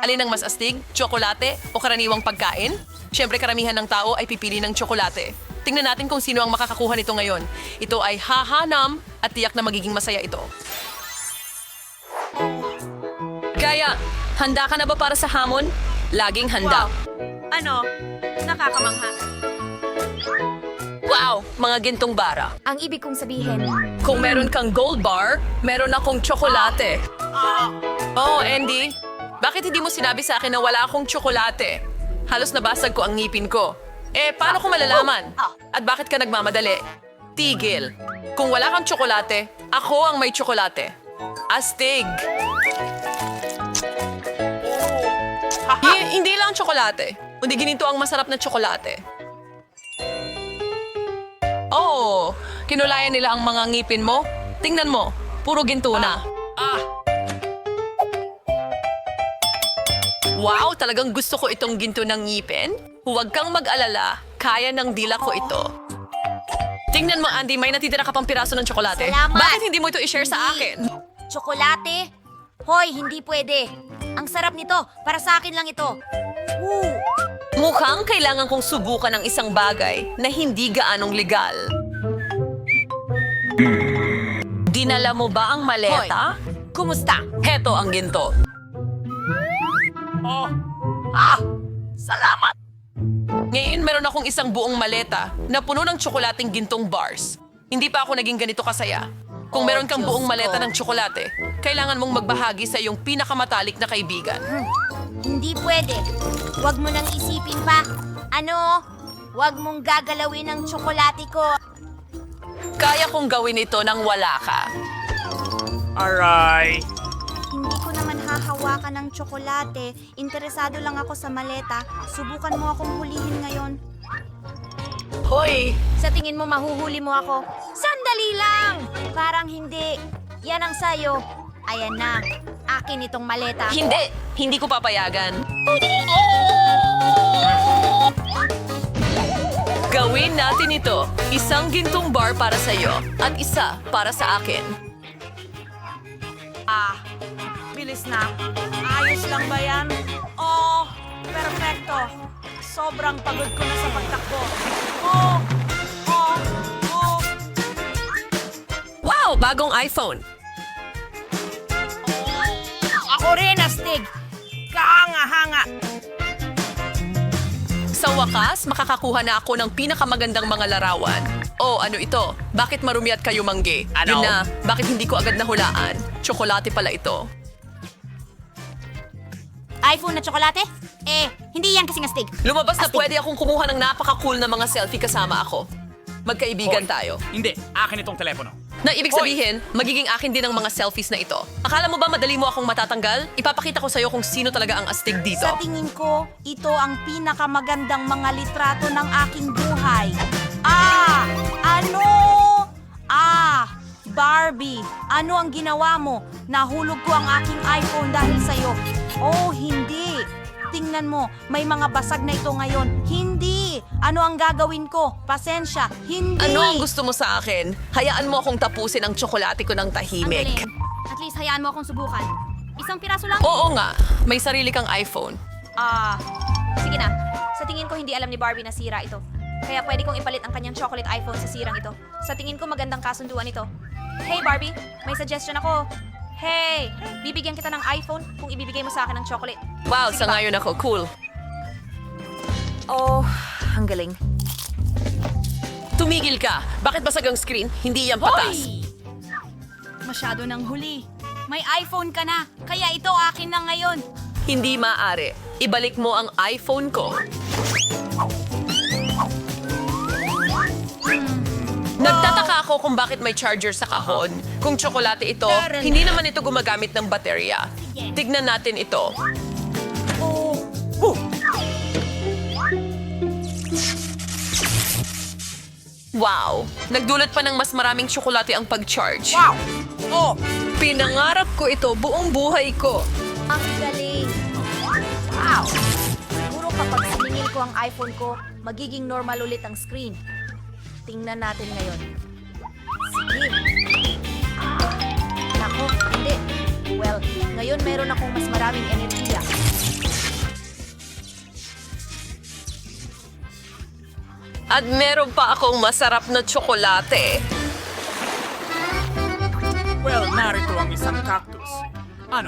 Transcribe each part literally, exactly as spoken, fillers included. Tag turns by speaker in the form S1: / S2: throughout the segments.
S1: Alin ang mas astig? Tsokolate o karaniwang pagkain? Siyempre karamihan ng tao ay pipili ng tsokolate. Tingnan natin kung sino ang makakakuha nito ngayon. Ito ay hahanam at tiyak na magiging masaya ito. Kaya, handa ka na ba para sa hamon? Laging handa.
S2: Ano? Nakakamangha.
S1: Wow! Mga gintong bara.
S3: Ang ibig kong sabihin,
S1: Kung meron kang gold bar, meron akong tsokolate. Oh, Andy, bakit hindi mo sinabi sa akin na wala akong tsokolate? Halos nabasag ko ang ngipin ko. Eh, paano ko malalaman? At bakit ka nagmamadali? Tigil. Kung wala kang tsokolate, ako ang may tsokolate. Astig. Hi- hindi lang tsokolate. Kundi ginito ang masarap na tsokolate. Oh, kinulayan nila ang mga ngipin mo. Tingnan mo, puro ginto na. Ah. Wow, talagang gusto ko itong ginto ng ngipin. Huwag kang mag-alala, kaya ng dila ko ito. Tingnan mo, Andy, may natitira ka pang piraso ng tsokolate.
S3: Salamat.
S1: Bakit hindi mo ito i-share sa akin?
S3: tsokolate? Hoy, hindi pwede. Ang sarap nito. Para sa akin lang ito. Woo!
S1: Mukhang kailangan kong subukan ng isang bagay na hindi gaanong legal. Dinala mo ba ang maleta? Kumusta? Heto ang ginto. Oh. Ah! Salamat! Ngayon meron akong isang buong maleta na puno ng tsokolating gintong bars. Hindi pa ako naging ganito kasaya. Kung
S3: Oh,
S1: meron kang
S3: Diyos
S1: buong maleta
S3: ko.
S1: ng tsokolate, kailangan mong magbahagi sa iyong pinakamatalik na kaibigan.
S3: Hindi pwede. Huwag mo nang isipin pa. Ano? Huwag mong gagalawin ang tsokolate ko.
S1: Kaya kong gawin ito nang wala ka.
S4: Aray!
S3: Hindi ko naman hahawakan ng tsokolate. Interesado lang ako sa maleta. Subukan mo akong hulihin ngayon.
S1: Hoy!
S3: Sa tingin mo, mahuhuli mo ako? Sandali lang! Parang hindi. Yan ang sayo. Ayan na. Akin itong maleta.
S1: Hindi! Hindi ko papayagan. Gawin natin ito. Isang gintong bar para sa iyo at isa para sa akin.
S2: Ah, bilis na. Ayos lang ba yan? Oh, perfecto. Sobrang pagod ko na sa pagtakbo. Oh, oh, oh.
S1: Wow! Bagong iPhone.
S2: Ako rin, astig. Kahanga-hanga.
S1: Sa wakas, makakakuha na ako ng pinakamagandang mga larawan. Oh, ano ito? Bakit marumi at kayo mangge?
S4: Ano?
S1: Yun na, bakit hindi ko agad nahulaan? Tsokolate pala ito.
S3: iPhone na tsokolate? Eh, hindi yan kasing astig.
S1: Lumabas na
S3: Astig.
S1: pwede akong kumuha ng napaka-cool na mga selfie kasama ako. Magkaibigan
S4: Hoy,
S1: tayo.
S4: Hindi, akin itong telepono.
S1: Na ibig sabihin, magiging akin din ang mga selfies na ito. Akala mo ba madali mo akong matatanggal? Ipapakita ko sa'yo kung sino talaga ang astig dito.
S2: Sa tingin ko, ito ang pinakamagandang mga litrato ng aking buhay. Ah! Ano? Ah! Barbie, ano ang ginawa mo? Nahulog ko ang aking iPhone dahil sa'yo. Oh, hindi. Tingnan mo, may mga basag na ito ngayon. Hindi! Ano ang gagawin ko? Pasensya, hindi!
S1: Ano ang gusto mo sa akin? Hayaan mo akong tapusin ang tsokolate ko ng
S3: Ang
S1: tahimik.
S3: galing. At least hayaan mo akong subukan. Isang piraso lang?
S1: Oo nga, may sarili kang iPhone.
S3: Ah, sige na. Sa tingin ko hindi alam ni Barbie na sira ito. Kaya pwede kong ipalit ang kanyang chocolate iPhone sa sirang ito. Sa tingin ko magandang kasunduan ito. Hey Barbie, may suggestion ako. Hey, bibigyan kita ng iPhone kung ibibigay mo sa akin ng chocolate.
S1: Wow,
S3: Sige
S1: sa
S3: ba?
S1: ngayon ako, cool.
S3: Oh, ang galing.
S1: Tumigil ka! Bakit basag ang screen? Hindi yan patas.
S2: Masyado nang huli. May iPhone ka na, kaya ito akin na ngayon.
S1: Hindi maaari. Ibalik mo ang iPhone ko. Nagtataka ako kung bakit may charger sa kahon. Kung tsokolate ito, hindi naman ito gumagamit ng baterya. Tignan natin ito. Wow! Nagdulot pa ng mas maraming tsokolate ang pag-charge.
S2: Wow! Oh!
S1: Pinangarap ko ito buong buhay ko.
S3: Ang galing. Wow! Siguro kapag siningil ko ang iPhone ko, magiging normal ulit ang screen. Tingnan natin ngayon. Sige. Ah, nako, hindi. Well, ngayon meron akong mas maraming enerhiya.
S1: At meron pa akong masarap na tsokolate.
S4: Well, narito ang isang cactus. Ano?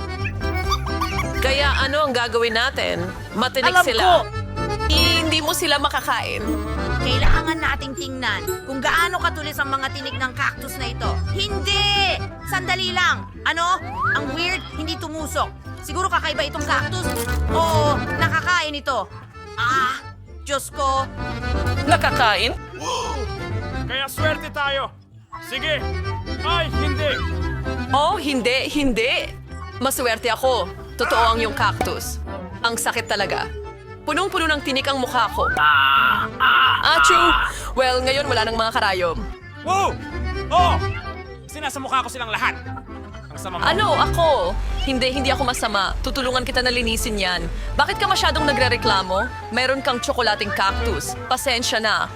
S1: Kaya ano ang gagawin natin? Matinik
S2: Alam
S1: sila.
S2: ko!
S1: Eh, hindi mo sila makakain.
S2: Kailangan nating tingnan kung gaano katulis ang mga tinig ng cactus na ito. Hindi! Sandali lang! Ano? Ang weird, hindi tumusok. Siguro kakaiba itong cactus. Oo, nakakain ito. Ah, Diyos ko.
S1: Nakakain?
S4: Kaya swerte tayo. Sige. Ay, hindi.
S1: Oh, hindi, hindi. Maswerte ako. Totoo ang yung cactus. Ang sakit talaga. Punong-puno ng tinik ang mukha ko. Achoo! Well, ngayon wala nang mga karayom.
S4: Wow! Oh! Sinasamukha ko silang lahat. Ang sama mo.
S1: Ano, ako? Hindi, hindi ako masama. Tutulungan kita na linisin yan. Bakit ka masyadong nagrereklamo? Meron kang tsokolating cactus. Pasensya na.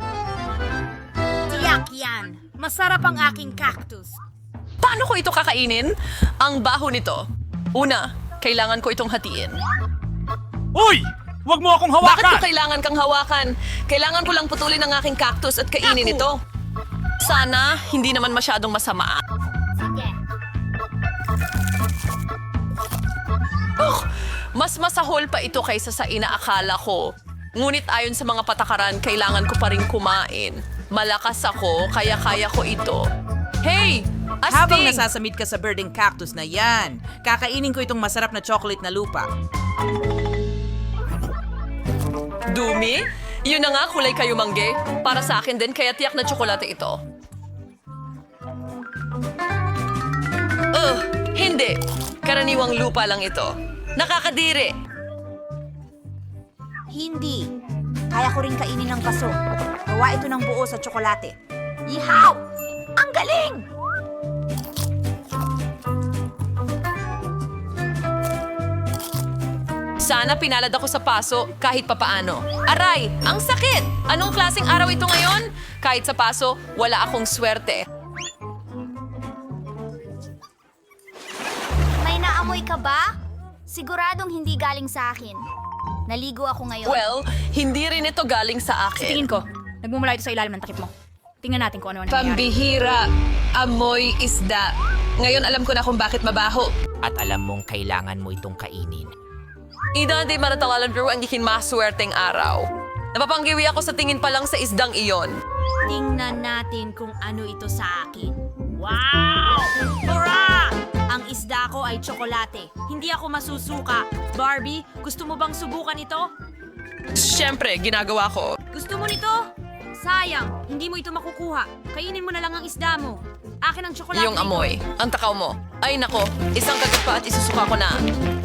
S2: Tiyak yan. Masarap ang aking cactus.
S1: Paano ko ito kakainin? Ang baho nito. Una, kailangan ko itong hatiin.
S4: Uy! Huwag mo akong
S1: Bakit ko
S4: hawakan!
S1: kailangan kang hawakan? Kailangan ko lang putulin ang aking cactus at kainin ito. Sana, hindi naman masyadong masama. Ugh, mas masahol pa ito kaysa sa inaakala ko. Ngunit ayon sa mga patakaran, kailangan ko pa rin kumain. Malakas ako, kaya kaya ko ito. Hey! Astig!
S5: Habang nasasamid ka sa birding cactus na yan, kakainin ko itong masarap na chocolate na lupa.
S1: Dumi? Yun na nga, kulay kayo mangge. Para sa akin din, kaya tiyak na tsokolate ito. Ugh, hindi. Karaniwang lupa lang ito. Nakakadiri.
S2: Hindi. Kaya ko rin kainin ng paso. Gawa ito ng buo sa tsokolate. Ihaw! Ang galing!
S1: Sana pinalad ako sa paso kahit papaano. Aray, ang sakit! Anong klaseng araw ito ngayon? Kahit sa paso, wala akong swerte.
S3: May naamoy ka ba? Siguradong hindi galing sa akin. Naligo ako ngayon.
S1: Well, hindi rin ito galing sa akin.
S3: Tingin ko, nagmumula ito sa ilalim ng takip mo. Tingnan natin kung ano ang nangyayari.
S1: Pambihira. Amoy isda. Ngayon alam ko na kung bakit mabaho.
S5: At alam mong kailangan mo itong kainin.
S1: Ida di maratawalan pero ang ikin maswerteng araw. Napapanggiwi ako sa tingin pa lang sa isdang iyon.
S2: Tingnan natin kung ano ito sa akin. Wow! Hurra! Ang isda ko ay tsokolate. Hindi ako masusuka. Barbie, gusto mo bang subukan ito?
S1: Siyempre, ginagawa ko.
S2: Gusto mo nito? Sayang, hindi mo ito makukuha. Kainin mo na lang ang isda mo. Akin ang tsokolate.
S1: Yung amoy. Ang takaw mo. Ay nako, isang kagat pa at isusuka ko na.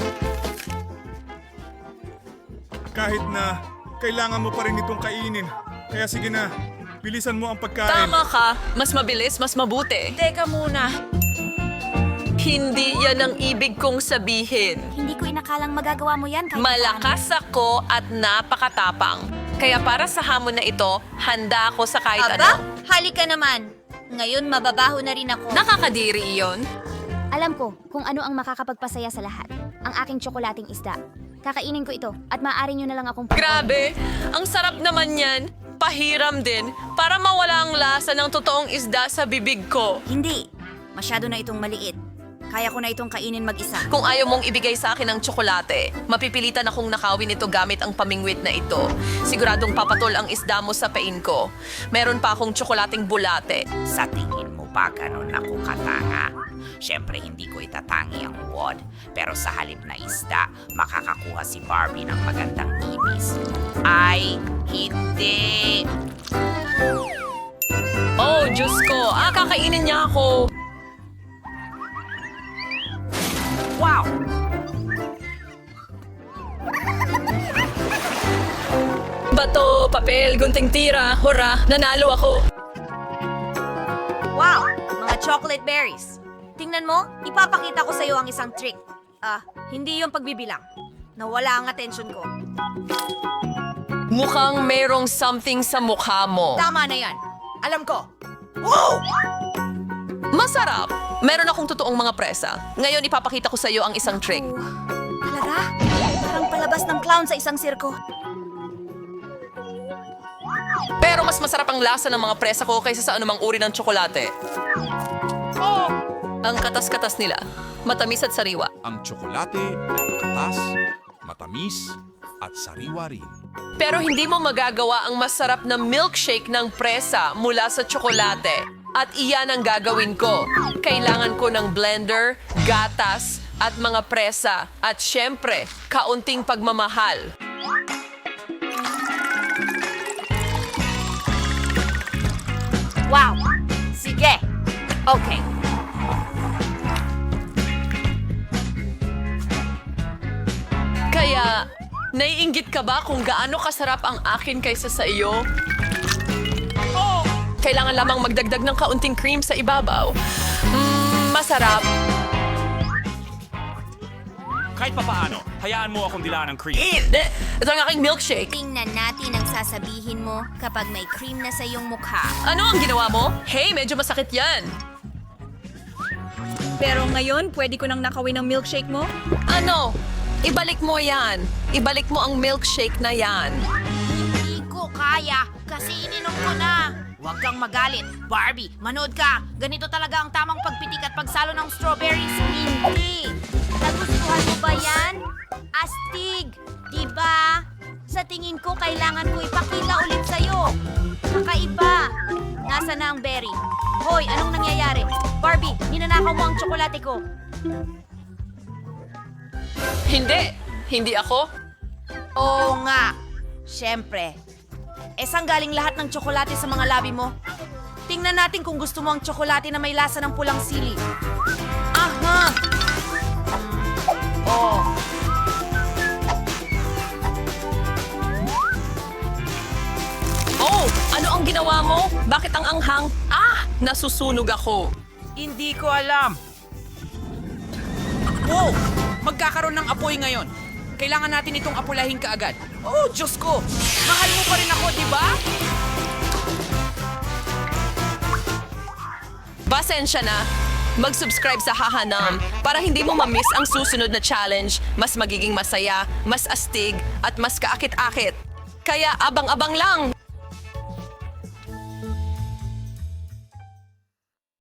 S6: Kahit na kailangan mo pa rin itong kainin. Kaya sige na, bilisan mo ang pagkain.
S1: Tama ka. Mas mabilis, mas mabuti.
S2: Teka muna.
S1: Hindi yan ang ibig kong sabihin.
S3: Hindi ko inakalang magagawa mo yan kahit
S1: Malakas ako at napakatapang. Kaya para sa hamon na ito, handa ako sa kahit
S2: Aba,
S1: ano.
S2: halika naman. Ngayon mababaho na rin ako.
S1: Nakakadiri iyon.
S3: Alam ko kung ano ang makakapagpasaya sa lahat. Ang aking tsokolating isda. Kakainin ko ito at maaari nyo na lang akong...
S1: Grabe, ang sarap naman yan. Pahiram din para mawala ang lasa ng totoong isda sa bibig ko.
S2: Hindi. Masyado na itong maliit. Kaya ko na itong kainin mag-isa.
S1: Kung ayaw mong ibigay sa akin ng tsokolate, mapipilitan akong nakawin ito gamit ang pamingwit na ito. Siguradong papatol ang isda mo sa pain ko. Meron pa akong tsokolating bulate.
S5: Sa tingin mo ba ganun ako katanga? Siyempre hindi ko itatangi ang wad, pero sa halip na isda, makakakuha si Barbie ng magandang ibis. Ay, hindi!
S1: Oh, Diyos ko. Ah, kakainin niya ako.
S5: Wow!
S1: Bato, papel, gunting tira. Hurra, nanalo ako.
S2: Wow! Mga chocolate berries. Tingnan mo, ipapakita ko sa iyo ang isang trick. Ah, hindi yung pagbibilang. Nawala ang atensyon ko.
S1: Mukhang merong something sa mukha mo.
S2: Tama na yan. Alam ko.
S1: Masarap. Meron akong totoong mga presa. Ngayon ipapakita ko sa iyo ang isang trick.
S2: Talaga? Parang palabas ng clown sa isang sirko.
S1: Pero mas masarap ang lasa ng mga presa ko kaysa sa anumang uri ng tsokolate. Ang katas-katas nila, matamis at sariwa.
S7: Ang tsokolate ay makatas, matamis, at sariwa rin.
S1: Pero hindi mo magagawa ang masarap na milkshake ng presa mula sa tsokolate. At iyan ang gagawin ko. Kailangan ko ng blender, gatas, at mga presa. At syempre, kaunting pagmamahal.
S2: Wow! Sige! Okay.
S1: Kaya, naiinggit ka ba kung gaano kasarap ang akin kaysa sa iyo? Oh! Kailangan lamang magdagdag ng kaunting cream sa ibabaw. Mmm, masarap.
S4: Kahit papaano, hayaan mo akong dilaan ng cream.
S1: Hindi! Ito ang aking milkshake.
S3: Tingnan natin ang sasabihin mo kapag may cream na sa iyong mukha.
S1: Ano ang ginawa mo? Hey, medyo masakit yan.
S2: Pero ngayon, pwede ko nang nakawin ang milkshake mo?
S1: Ano? Ibalik mo yan. Ibalik mo ang milkshake na yan.
S2: Hindi ko kaya kasi ininom ko na. Huwag kang magalit. Barbie, manood ka. Ganito talaga ang tamang pagpitik at pagsalo ng strawberries. Hindi. Nagustuhan mo ba yan? Astig. Diba? Sa tingin ko, kailangan ko ipakita ulit sa'yo. Kakaiba. Nasa na ang berry? Hoy, anong nangyayari? Barbie, ninanakaw mo ang tsokolate ko.
S1: Hindi. Hindi ako.
S2: Oo nga. Siyempre. Eh, saan galing lahat ng tsokolate sa mga labi mo? Tingnan natin kung gusto mo ang tsokolate na may lasa ng pulang sili. Aha! Oh.
S1: Oh, ano ang ginawa mo? Bakit ang anghang? Ah, nasusunog ako.
S5: Hindi ko alam. Wow! Magkakaroon ng apoy ngayon. Kailangan natin itong apulahin kaagad. Oh, Diyos ko! Mahal mo pa rin ako, di ba?
S1: Pasensya na. Mag-subscribe sa Hahanam para hindi mo ma-miss ang susunod na challenge. Mas magiging masaya, mas astig, at mas kaakit-akit. Kaya abang-abang lang!